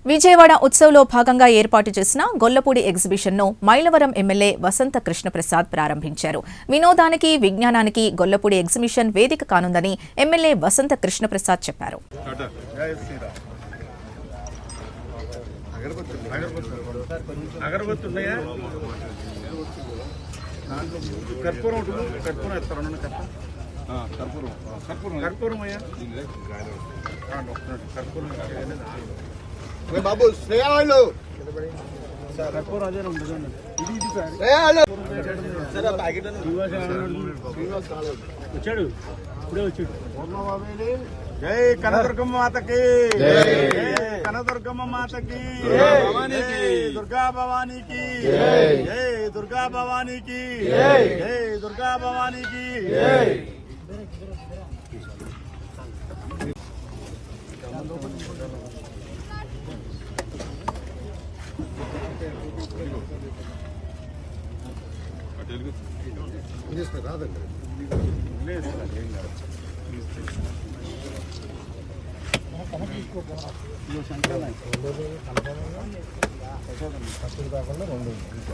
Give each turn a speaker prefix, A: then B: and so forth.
A: విజయవాడ ఉత్సవ్లో భాగంగా ఏర్పాటు చేసిన గొల్లపూడి ఎగ్జిబిషన్ను మైలవరం ఎమ్మెల్యే వసంత కృష్ణప్రసాద్ ప్రారంభించారు. వినోదానికి, విజ్ఞానానికి గొల్లపూడి ఎగ్జిబిషన్ వేదిక కానుందని ఎమ్మెల్యే వసంత కృష్ణప్రసాద్ చెప్పారు.
B: బాబు శ్రేయాలు
C: వచ్చాడు ఇప్పుడే వచ్చాడు. జై కనదుర్గమ్మ మాతకి, కనదుర్గమ్మ మాతకి, దుర్గా భవానీకి, జై దుర్గా భవానీకి, జై దుర్గా భవానీకి. రాదండి